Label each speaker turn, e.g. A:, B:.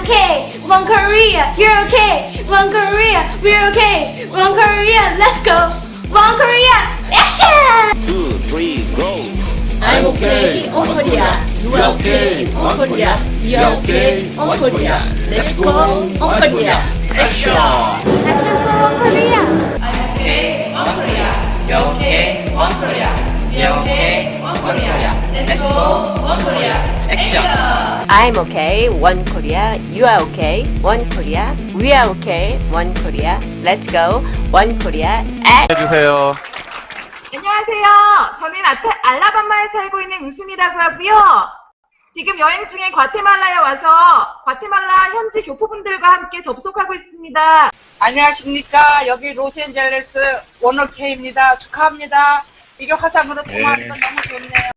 A: okay. One Korea, you're okay. One Korea, we're okay. One Korea, let's go. One Korea, action!
B: 2, 3, go!
C: I'm okay, on Korea. You are okay, on Korea. We are okay, on Korea. Let's go, on Korea. Action!
A: Action for One Korea.
D: okay, one Korea. You're okay, one Korea. We're okay, one Korea. Let's go, one Korea. Action!
E: I'm okay, one Korea. You are okay, one Korea. We are okay, one Korea. Let's go, one Korea.
F: 해주세요.
G: 안녕하세요. 저는 알라바마에 살고 있는 우순이라고 하고요. 지금 여행 중에 과테말라에 와서 과테말라 현지 교포분들과 함께 접속하고 있습니다.
H: 안녕하십니까. 여기 로스앤젤레스 원어케입니다. 축하합니다. 이게 화상으로 통화하는 건 너무 좋네요.